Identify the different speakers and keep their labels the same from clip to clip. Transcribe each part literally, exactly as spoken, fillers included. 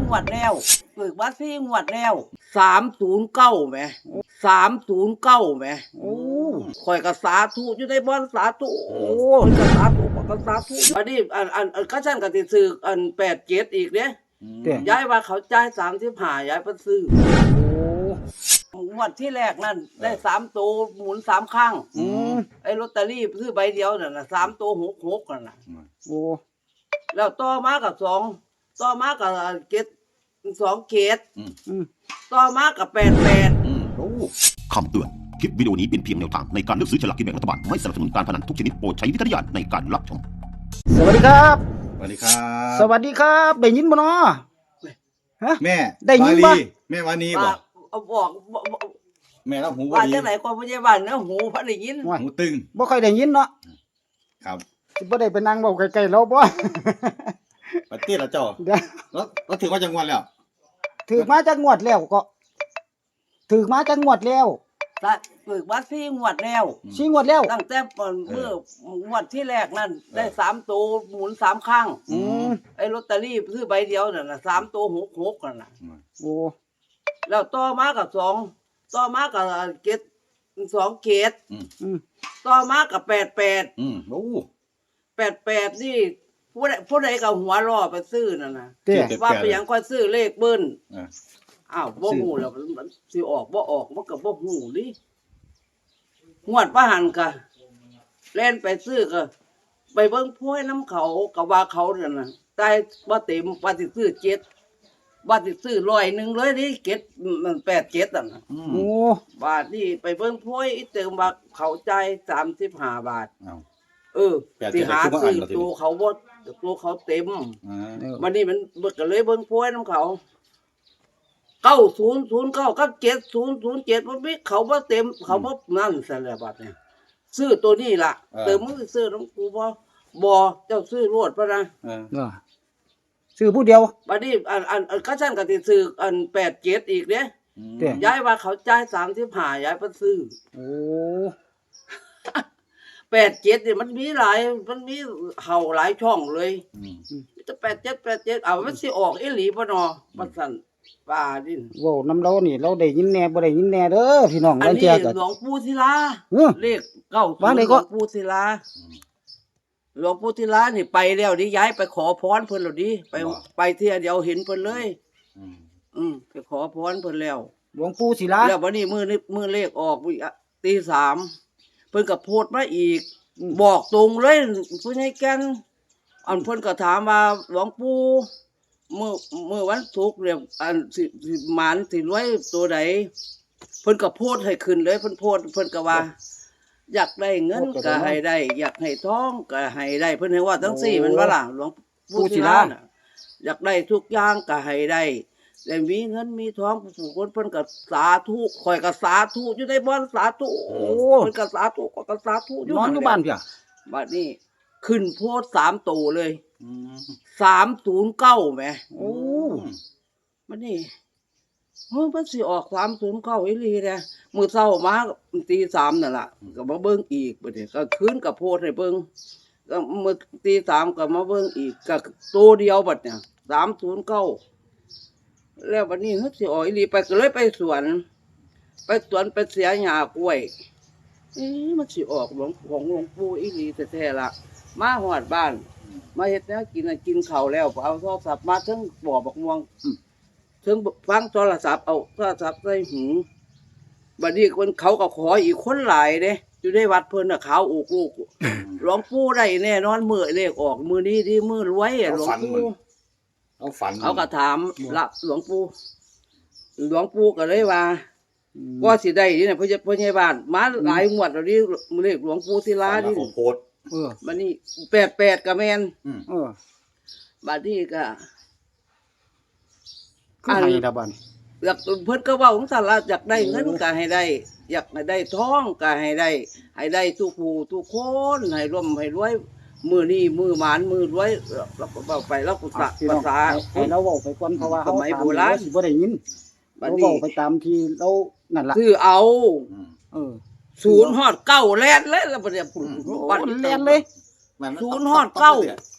Speaker 1: งวดแล้วฝึกมาสี่งวดแล้วสามศูนย์เก้าไหมสามศูนย์เก้าไหมโอ้ข่อยก็สาธุอยู่ในบ้านสาธุโอ้ยก็สาธุก็สาธุอันนี้อันอันอันก็ฉันก็ติซื้ออันแปดเจ็ดอีกเนี่ยย้ายว่าเขาจ่ายสามสิบห้าย้ายไปซื้องวดที่แรกนั่นได้สามตัวหมุนสามข้างไอ้ลอตเตอรี่ซื้อใบเดียวนั่นนะสามตัวหกหกนั่นนะโอ้แล้วต่อมากับสองต่อมากับเกตสองเกตต่อมากับแปดแปด
Speaker 2: คำเตือนคลิปวิดีโอนี้เป็นเพียงแนวทางในการเลือกซื้อฉลากกินแบ่งรัฐบาลไม่สนับสนุนการพนันทุกชนิดโปรดใช้วิจารณญาณในการรับชม
Speaker 3: สวัสดีครับ
Speaker 4: สวัสดีครับ
Speaker 3: สวัสดีครับได้ยินบ่เนาะ
Speaker 4: ฮะแม่
Speaker 3: ได้ยินบ่
Speaker 4: แม่วานีบอก
Speaker 1: บอก
Speaker 4: แม่แล้วหู
Speaker 1: ว่าจังไหนกว่าพยาบาลนะหูพระได้ยิน
Speaker 4: หูตึง
Speaker 3: บ่ค่อยได้ยินเนาะ
Speaker 4: ครับ
Speaker 3: สิบ่ได้ไปนั่งเว้าใกล้ๆเราบ่
Speaker 4: ปฏิละเจ้าแล้วแล้วถือว่าจังหวัดแล้ว
Speaker 3: ถือมาจากงวดแล้วก็ถือมาจากงวดแล้ว
Speaker 1: ฝึกมาสี่งวดแล้ว
Speaker 3: สี่งวดแล้ว
Speaker 1: ตั้งแต่เมื่องวดที่แรกนั่นได้สามตัวหมุนสามข้างไอ้ลอตเตอรี่ซื้อใบเดียวนั่นน่ะสามตัวหกหกนั่นน่ะโอ้แล้วต่อมากับสองต่อมากับเกตสองเกตต่อมากับแปดแปดแปดแปดนี่ผู้ใดผู้ใดกับหัวรอไปซื้อนั่นนะว่าไปยังค่อยซื้อเลขเบิ้ลอ้าวบ่หูแล้วมันสิออกบ่ออกมันก็บ่หูดิงวดประหันกะเล่นไปซื้อก็ไปเบิ่งพ้วยน้ำเขาก็ว่าเขานั่นน่ะได้บ่เต็มว่าสิซื้อเจ็ดว่าสิซื้อร้อยหนึ่งเลยนี่เจ็ดมันแปดเจ็ดอ่ะนะโอ้บาทนี่ไปเบิ่งพ้วยอีเติมว่าเขาจ่ายสามสิบห้าบาทเออสิหาซื้อตัวเขาบ่ตัวเขาเต็มวันนี้มันก็เลยเบิ่งพ้วยน้ำเขาเก้าศูนย์ศูนย์เก้ากับเจ็ดศูนย์ศูนย์เจ็ดมันไม่เขาบ่เต็มเขาบ่นั่นสารบัดเนี่ยซื้อตัวนี้ล่ะเติมมือซื้อน้ำกูบ่บ่เจ้าซื้อรวดปะนะ
Speaker 3: ซื้อผู้เดียว
Speaker 1: บัดนี้อันอันอันก็ฉันก็สิซื้ออันแปดเจ็ดอีกเนี่ยย้ายว่าเขาจ่ายสามสิบห้าย้ายไปซื้อโอ้แปดเจ็ดเนี่ยมันมีหลายมันมีเห่าหลายช่องเลยจะแปดเจ็ดแปดเจ็ดเอามันสิออกอีหลีบ่นอบัดซั่นป่าดิน
Speaker 3: โว้นำเรานี่เราได้ยินแน่บ่ได้ยินแน่เด้อพี่น้อง
Speaker 1: อันนี้หลวงปู่ศิลาเลขเก้าหลวงปู่ศิลาหลวงปู่ศิลานี่ไปแล้วดิย้ายไปขอพรเพิ่นแล้วดิไปไปเที่ยเดียวเห็นเพิ่นเลยอืมไปขอพรเพิ่นแล้ว
Speaker 3: หลวงปู่ศิลา
Speaker 1: แล้ววันนี้มื้อนี้มื้อเลขออกตีสามเพิ่นก็โพสต์มาอีกบอกตรงเลยผู้ใหญ่แก่นอันเพิ่นก็ถามว่าหลวงปู่เมื่อเมื่อวันศุกร์เนี่ยอันสิหมานสิรวยตัวใดเพิ่นก็โพดให้ขึ้นเลยเพิ่นโพดเพิ่นก็ว่าอยากได้เงินก็ให้ได้อยากให้ทองก็ให้ได้เพิ่นให้ว่าทั้งสี่มันว่าล่ะหลวงปู่ศิลาน่ะอยากได้ทุกอย่างก็ให้ได้แต่มีเงินมีทองผู้คนเพิ่นก็สาธุข่อยก็สาธุอยู่ในบ้านสาธุโอ้เพิ่นก็สาธุก็สาธุอยู่
Speaker 3: นอนอยู่บ้านเพีย
Speaker 1: บัดนี้ขึ้นโพดสามตัวเลยสามศูนย์เก้าไหมโอ้มันนี่เฮ้ยมันสิออกสามศูนย์เก้าอีหลีนะมือเศร้ามาตีสามนั่นแหละก็มาเบิ้งอีกประเดี๋ยวก็คืนกับโพดให้เบิ้งก็มือตีสามก็มาเบิ้งอีกก็ตัวเดียวบัดเนี่ยสามศูนย์เก้าแล้ววันนี้เฮ้ยสิออกอีหลีไปก็เลยไปสวนไปสวนไปเสียหญ้ากล้วยเอ๊ะมันสิออกหลวงของหลวงปู่อีหลีแท้ๆละมาหอดบ้านมาเฮ็ดแนวกินกินข้าวแล้วเอาโทรศัพท์มาถึงบ่อบักม่วงถึงฟังโทรศัพท์เอาโทรศัพท์ใส่หูบัดนี้คนเขาก็ขออีกคนหลายเด้อยู่ในวัดเพิ่นน่ะขาวอกลูกหลวงปู่ได้แน่นอนมื้อเลขออกมื้อนี้ที่มื้อรวยอ่ะหลวงปู่
Speaker 4: เอาฝัน
Speaker 1: เขาก็ถามละหลวงปู่หลวงปู่ก็เลยว่าก็สิได้นี่น่ะเพิ่นเพิ่นใหญ่บ้านมาหลายงวดแล้วนี่เลขหลวงปู่ศิลานี่
Speaker 4: โพส
Speaker 1: เออบัดนี้แปดแปดก็แม่นเออบัดนี้ก็
Speaker 3: คือให้ละบัด
Speaker 1: อยากเพิ่นก็เว้าของซั่นล่ะอยากได้เงินก็ให้ได้อยากได้ทองก็ให้ได้ให้ได้ทุกผู้ทุกคนให้ร่มให้รวยมื้อนี้มื้อหมานมื้อรวยเราก็เว้าไปแล้วก็ภาษา
Speaker 3: ให้เราเว้าไปก่อนเพราะว่าเฮาโบราณสิบ่ได้ยินบัดนี้เว้าไปตามที่เรานั่นล่ะ
Speaker 1: คือเอาเออศูนย์ฮอดเก้าแล่นเลยแล้วบัดนี้
Speaker 3: บัดแล่นเลย
Speaker 1: ศูนย์ฮอดเก้า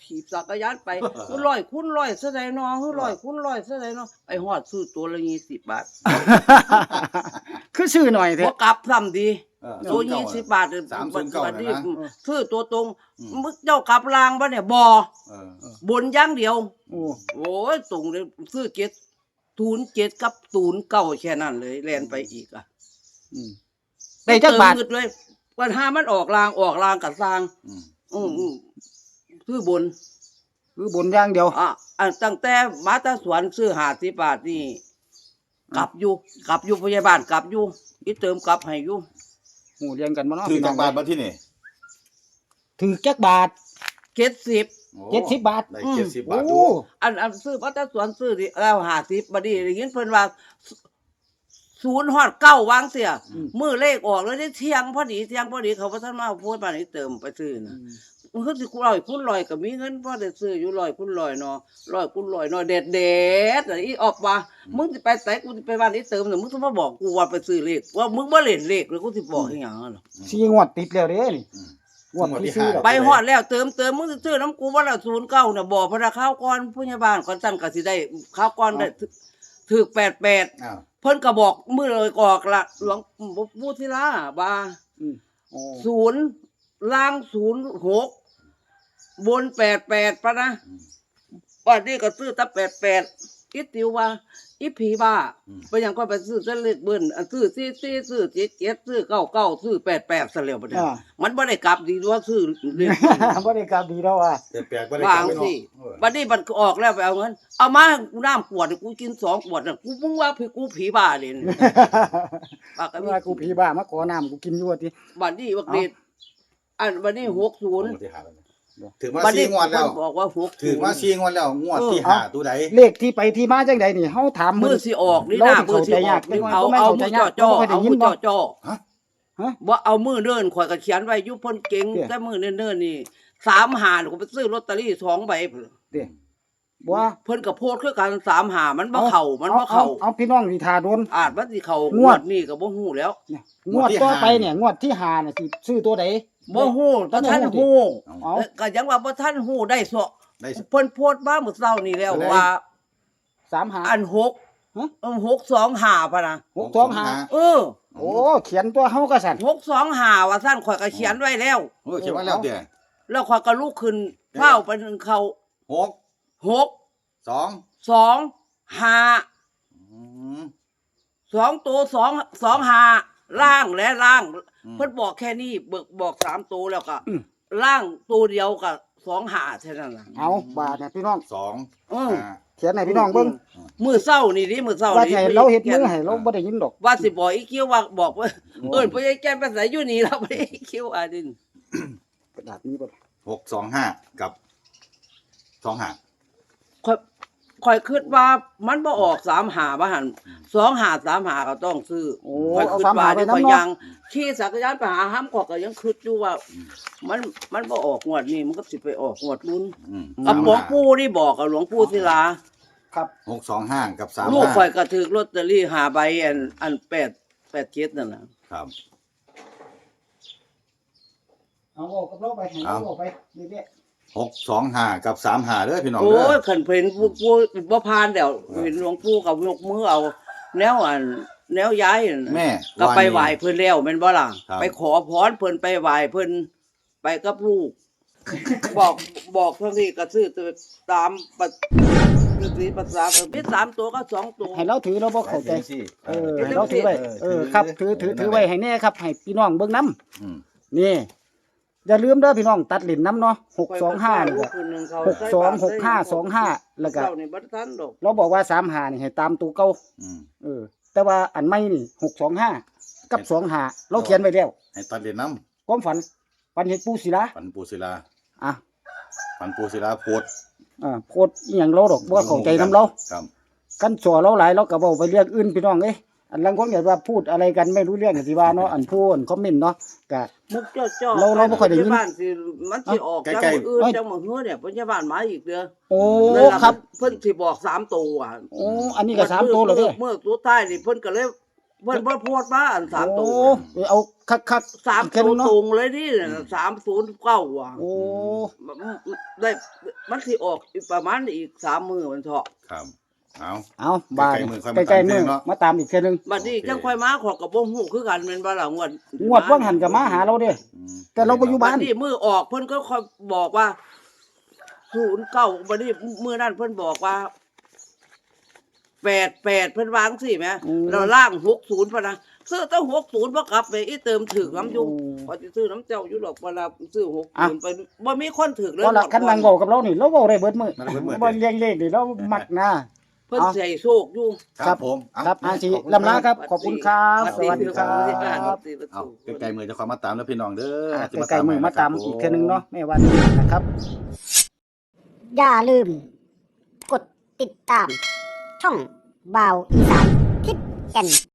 Speaker 1: ขี่จักรยานไปคือร้อยคูณร้อยซะได้เนาะคือร้อยคูณร้อยซะได้เนาะไปฮอดซื้อตัวละยี่สิบบาท
Speaker 3: คือซื้อหน่อยเถ
Speaker 1: บ่
Speaker 3: อะ
Speaker 1: กลับซ้ำดี
Speaker 4: เออ
Speaker 1: ตัวยี่สิบบาทเด้อ
Speaker 4: สามศูนย์เก้า
Speaker 1: บัดนี้
Speaker 4: นะ
Speaker 1: ซื้อตัวตรง
Speaker 4: อืม
Speaker 1: มึงเจ้ากลับรางบ่เนี่ยบ่
Speaker 4: เออ
Speaker 1: บนอย่างเดียว
Speaker 3: โอ้
Speaker 1: โอ้ยตรงเลยซื้อเจ็ดศูนย์เจ็ดกับศูนย์เก้าแค่นั้นเลยแล่นไปอีกอ่ะ
Speaker 3: อืมได้จักบาท
Speaker 1: เติมเงินเลยปัญหามันออกรางออกรางกับสร้าง
Speaker 4: อืม
Speaker 1: อืมอืมซื้อบน
Speaker 3: คือบนอย่างเดียว
Speaker 1: อ่ะอันตั้งแต่มาแตาสวนซื้อห้าสิบบาทนี่กลับอยู่กลับอยู่พยาบาลกลับอยู่อีเติมกลับให้อยู่
Speaker 3: หูเรียนกันบ่เนาะ
Speaker 4: ถือ
Speaker 3: พี่น้
Speaker 4: จา
Speaker 3: อก ง
Speaker 4: บาทมาที่นี่
Speaker 3: ถือจักบาท
Speaker 1: เจ็ดสิบ
Speaker 4: โอ้
Speaker 3: เจ็ดสิบบาท
Speaker 4: ได้
Speaker 1: อืม
Speaker 4: เจ็ดสิบบาท
Speaker 3: โอ้
Speaker 4: ดู
Speaker 1: อันอันซื้อมาแตาสวนซื้อดิแล้วห้าสิบบัดนี้ได้ยินเพิ่นว่าศูนย์ฮอดเก้าวางเสียมือเลขออกแล้วได้เที่ยงพอดีเที่ยงพอดีเขาบ่ทันมาพูดมานี่เติมไปซื้อน่ะ มันคือสิร้อยคูณร้อยก็มีเงินพอได้ซื้ออยู่ร้อยคูณร้อยเนาะร้อยคูณร้อยเนาะเด็ดเด็ดๆอีออกว่ามึงสิไปไสกูสิไปบ้านนี้เติมน่ะมึงสิมาบอกกูว่าไปซื้อเลขว่ามึงบ่เล่นเลขแล้วกูสิบอกอีหยังอ่ะเนาะ
Speaker 3: สี่งวดติดแล้วเด้นี่
Speaker 4: อืม
Speaker 3: งวดที่สี่แล้ว
Speaker 1: ไปฮอดแล้วเติมเติมมึงสิซื้อน้ำกูว่าละศูนย์เก้าน่ะบอกพระข้าวก่อนผู้ใหญ่บ้านก่อนสั่นก็สิได้ข้าวก่อนได้ถูกแปดแปด
Speaker 4: อ้าว
Speaker 1: เพิ่นก็บอกมื้อเลยออกละหลวงปู่ศิลาว่า
Speaker 3: อืมโอ้
Speaker 1: ศูนย์ล่างศูนย์หกบนแปดแปดปะนะวันนี้ก็ซื้อตั้งแปดแปดอีติวว่าอีผีบ้าไปยังก็ไปซื้อเส้นเล็กเบิ้ลอันซื้อซี่ซี่ซื้อเจ็ดเจ็ดซื้อเก้าเก้าซื้อแปดแปดเสลียวไปเนี่ย
Speaker 3: อ่า
Speaker 1: มันไม่ได้กลับดีว่าซื้อเล็ก
Speaker 3: บ่ได้กลับดีแล้วอ่ะ
Speaker 4: แต่แปลกบ่ได้
Speaker 1: วาง
Speaker 4: กลับไป
Speaker 1: สิ
Speaker 4: เนาะเออ
Speaker 1: วันนี้มันออกแล้วไปเอาเงินเอามาให้กูน้ำขวดกูกินสองขวดน่ะกูมึงว่าพี่กูผีบ้าเลย ปากก็มี
Speaker 3: ว่ากูผีบ้ามาขอน้ำกูกินอยู่ว่าติ
Speaker 1: วันนี้วักเด็ดอันวันนี้หกศูนย์
Speaker 4: งวดที่ห้าแล้วเนี่ยถือมา
Speaker 1: วัน
Speaker 4: สี่
Speaker 1: นี้
Speaker 4: งวดแล้ว
Speaker 1: มันบอกว่าหก
Speaker 4: ถือมาสี่งวดแล้วงวดที่
Speaker 1: เออ
Speaker 4: ห้าตัวใด
Speaker 3: เลขที่ไปที่มาจังใดนี่เฮาถาม
Speaker 1: มื
Speaker 3: เพิ่
Speaker 1: อน สิออกนี่นะมือสิออกนี่เอาเอามือจ่อจ่อเอามือจ่อจ่อ
Speaker 4: ฮะ
Speaker 3: ฮะ
Speaker 1: ว่าเอามือเดินข่อยก็เขียนไว้อยุพ่นเก่ง
Speaker 3: เตี้ย
Speaker 1: แต่มือเนิ่นๆนี่สามหาก็ไปซื้อลอตเตอรี่สองใบพุ่น
Speaker 3: เด้บ่ว่า
Speaker 1: เพิ่นก็โพดคือกันสามหามันบ่เข้ามันบ่เข้า
Speaker 3: เอาพี่น้องที่ทาโดน
Speaker 1: อาจมันสิเข้าง ง
Speaker 3: ว
Speaker 1: ว
Speaker 3: ด
Speaker 1: ดนี้ก็บ่ฮู้แล้ว
Speaker 3: เนี่ยงวดต่อไปเนี่ยงวดที่ห้าเนี่ยสิซื้อตัวใด
Speaker 1: บ่ฮู้บ่ทันฮู้
Speaker 3: เอา
Speaker 1: ก็ยังว่าบ่ทันฮู้ได้ซะ
Speaker 4: ได้
Speaker 1: เพิ่นโพดมาเมื่อเช้านี้แล้ว
Speaker 4: ได้
Speaker 1: ว่า
Speaker 3: สามหา
Speaker 1: อันหก
Speaker 3: ฮะ
Speaker 1: เออหกสองห้าพะนะ
Speaker 3: หกสองห้า
Speaker 1: เออ
Speaker 3: โอ้เขียนตัวเฮาก็สั่น
Speaker 1: หกสองห้าว่าซั่นข่อยก็เขียนไว้แล้ว
Speaker 4: โอ้ยเขียนไว้แล้วเดี๋ยว
Speaker 1: แล้วข่อยก็ลุกขึ้นเฝ้าไปถึงเขา
Speaker 4: หก
Speaker 1: หก
Speaker 4: สอง
Speaker 1: สองห้า
Speaker 4: อืม
Speaker 1: สองตัวสองสองห้าล่างและล่าง
Speaker 4: อืม
Speaker 1: เพิ่นบอกแค่นี้เบิกบอกสามตัวแล้วก็ล่างตัวเดียวกับสองห้าเท่านั้นล่ะ
Speaker 3: เอาบาทเนี่ยพี่น้อง
Speaker 4: สอง
Speaker 1: เออ
Speaker 4: ห้า
Speaker 3: เขียนให้พี่น้องเบิ่ง
Speaker 1: มือเศร้านี่ดิมือเศร้า
Speaker 3: ว่า
Speaker 1: นี่
Speaker 3: ให้เราเฮ็ดมือให้เราบ่ได้ยินดอก
Speaker 1: ว่าสิบอกอีคิวว่าบอกว่าเอิ้นพ่อใหญ่แก่นไปใส่อยู่นี่แล้วไปอีคิวอาดิน
Speaker 3: กระดาษนี้บ่
Speaker 4: หกสองห้ากับสองห้า
Speaker 1: ค่อยค่อยคิดว่ามันบ่ออกสามหาบ่หั่นสองหาสามหาก็ต้องซื้อ
Speaker 3: โอ้
Speaker 1: ค่อย
Speaker 3: เอา
Speaker 1: คิด
Speaker 3: สาม
Speaker 1: ว่า
Speaker 3: หาไป
Speaker 1: ที่
Speaker 3: นํ
Speaker 1: ข่อย
Speaker 3: เนาะ
Speaker 1: ยังขี่จักรยานไปหาห้ามขอยก็ยังคิดอยู่ว่า มันมันบ่ออกงวดนี้มันก็สิไปออกงวดนู้น
Speaker 4: อืม
Speaker 1: กับหลวงปู่นี่บอกกับหลวงปู่ศิลา
Speaker 3: ครับ
Speaker 4: หกสองห้ากับสาม
Speaker 1: ลูก
Speaker 4: ห้า
Speaker 1: ข่อยก็ถือลอตเตอรี่หาใบอันอันแปดแปดเจ็ดนั่นน่ะ
Speaker 4: ครับ
Speaker 3: เอาเอากับเราไปให้เราเอาไปเรื่อย
Speaker 4: หกสองห้ากับสามห้าเด้อพี่น้อง
Speaker 1: โอ้
Speaker 4: เด้อย
Speaker 1: ขันเพิ่นผู้ผู้บ่ผ่านแล้วเห็นหลวงปู่กับยกมือเอา แนวอันแนวย้ายนั่นน่ะ
Speaker 4: แม่
Speaker 1: ก็ไป
Speaker 4: นี่
Speaker 1: ไหว้เพิ่นแล้วแม่นบ่ล่ะ
Speaker 4: ครับ
Speaker 1: ไปขอพรเพิ่นไปไหว้เพิ่นไปกับลูก บอกบอกเท่านี้ก็ซื้อตามปะสิภาษาเออมีสามตัวก็สองตัว
Speaker 3: ๆให้เราถือเราบ่เข้าใจ
Speaker 4: ไปสิ
Speaker 3: เออให้เราถือไว้เออครับถือถือถือไว้ให้แน่ครับให้พี่น้องเบิ่งนํ
Speaker 4: อืม
Speaker 3: นี่อย่าลืมเด้อพี่น้องตัดเหรียญน้ำเนาะหกสองห้านี่ก็หกสองหกห้าสองห้าแล้วก็
Speaker 1: เจ้านี่บ่ทันดอก
Speaker 3: เราบอกว่าสามหานี่ให้ตามตัวเก่า
Speaker 4: อืม
Speaker 3: เออ แต่ว่าอันใหม่นี่หกสองห้ากับสองห้าเราเขียนไว้แล้ว
Speaker 4: ให้ตัดเหรียญน้
Speaker 3: ความฝันฝันเห็นปูศิลา
Speaker 4: ำฝันปูศิลา
Speaker 3: อ่ะ
Speaker 4: ฝันปูศิลาโพด
Speaker 3: อ่าโพดอหย่างเราดอกบ่เข้าใจน้ำเรา
Speaker 4: ครับ
Speaker 3: กันสอเราหลายเราก็เว้าไปเรื่องอื่นพี่น้องเอ้ยอันลังคนก็ว่าพูดอะไรกันไม่รู้เรื่องก็สิว่าเนาะอันพูดคอมเมนต์เนาะก็
Speaker 1: มุกจ้อๆ
Speaker 3: เราเราบ่ค่อยได้ยิน
Speaker 1: พาบาลสิมันสิออกจังมื้ออื่นจังมื้อเฮือเนี่ยพยาบาลมาอีกเด้อ
Speaker 3: โอ้
Speaker 1: นั่นล่ะ
Speaker 3: ครับ
Speaker 1: เพิ่นสิบอกสามตัวอ่ะ
Speaker 3: โอ้อันนี้ก็สามตัวแล้วเด้อ
Speaker 1: เมื่อตัวท้ายนี่เพิ่นก็เลยเพิ่นบ่โพดมาอันสามตั
Speaker 3: โอ้
Speaker 1: ว
Speaker 3: เอาคักๆ
Speaker 1: สาม
Speaker 3: แค่
Speaker 1: ตัว
Speaker 3: นึง
Speaker 1: ตร
Speaker 3: เนาะ
Speaker 1: งเลยนี่สามศูนย์เก้าว่ะ
Speaker 3: โอ้
Speaker 1: ได้มันสิออกอีกประมาณอีกสามมื้อมันเถาะ
Speaker 4: ครับเอา
Speaker 3: เอาบาย
Speaker 4: ใกล้ๆมื้อค่อยมาตาม
Speaker 3: ใกล้ๆมือ
Speaker 4: เนาะ
Speaker 3: มาตามอีกแค่นึง
Speaker 1: บัดนี้จังค่อยมาขอกับบ่ฮู้คือกันแม่นบ่ล่ะงวด
Speaker 3: งวดว่างหันกับมาหาเราเด้
Speaker 4: อืม
Speaker 3: แต่เราบ่อยู่
Speaker 1: บั
Speaker 3: บ้า
Speaker 1: ด
Speaker 3: น
Speaker 1: นี้มือออกเพิ่นก็ค่อยบอกว่าศูนย์เก้าบัดนี้มื้อนั้นเพิ่นบอกว่าแปดแปดเพิ่นวาจังซี่แหม
Speaker 3: อืม
Speaker 1: แล้วล่างหกศูนย์พะนะซื้อตั้งหกศูนย์บ่กลับไปอีเติมถึกน้ำอยู่
Speaker 3: โอ้
Speaker 1: พอสิซื้อน้ำเจ้าอยู่ดอกเวลาซื้อหก
Speaker 3: อ่ะ
Speaker 1: ศูนย์ไปบ่มีคนถึกเลย
Speaker 3: เพราะละคันนางเว้ากับเรานี่เราเว้าได้เบิดมื้อ
Speaker 4: มันเบิดมื้อ
Speaker 3: บ่เลี้ยงเลขนี่เรามักนะ
Speaker 1: เพิ่น
Speaker 3: เอา
Speaker 1: ใส่โชคอยู่
Speaker 4: ครับผมเ
Speaker 3: ครับอาชี
Speaker 4: ขบคุณ
Speaker 3: ลำลาครับ ขอบคุณครับ สวัสดีครั
Speaker 1: สวัสดีครับ บ
Speaker 4: เอาใกล้ๆมือจะขอมาตามแล้วพี่น้องเด้อ
Speaker 3: อ่ะ
Speaker 4: จะ
Speaker 3: ใกล้ๆมือมาตาม
Speaker 4: ให้ะครับ
Speaker 3: อีกเทื่อนึงเนาะแม่วันนี้นะครับ
Speaker 5: อย่าลืม กดติดตาม ช่องบาวอีสานทิศแก่น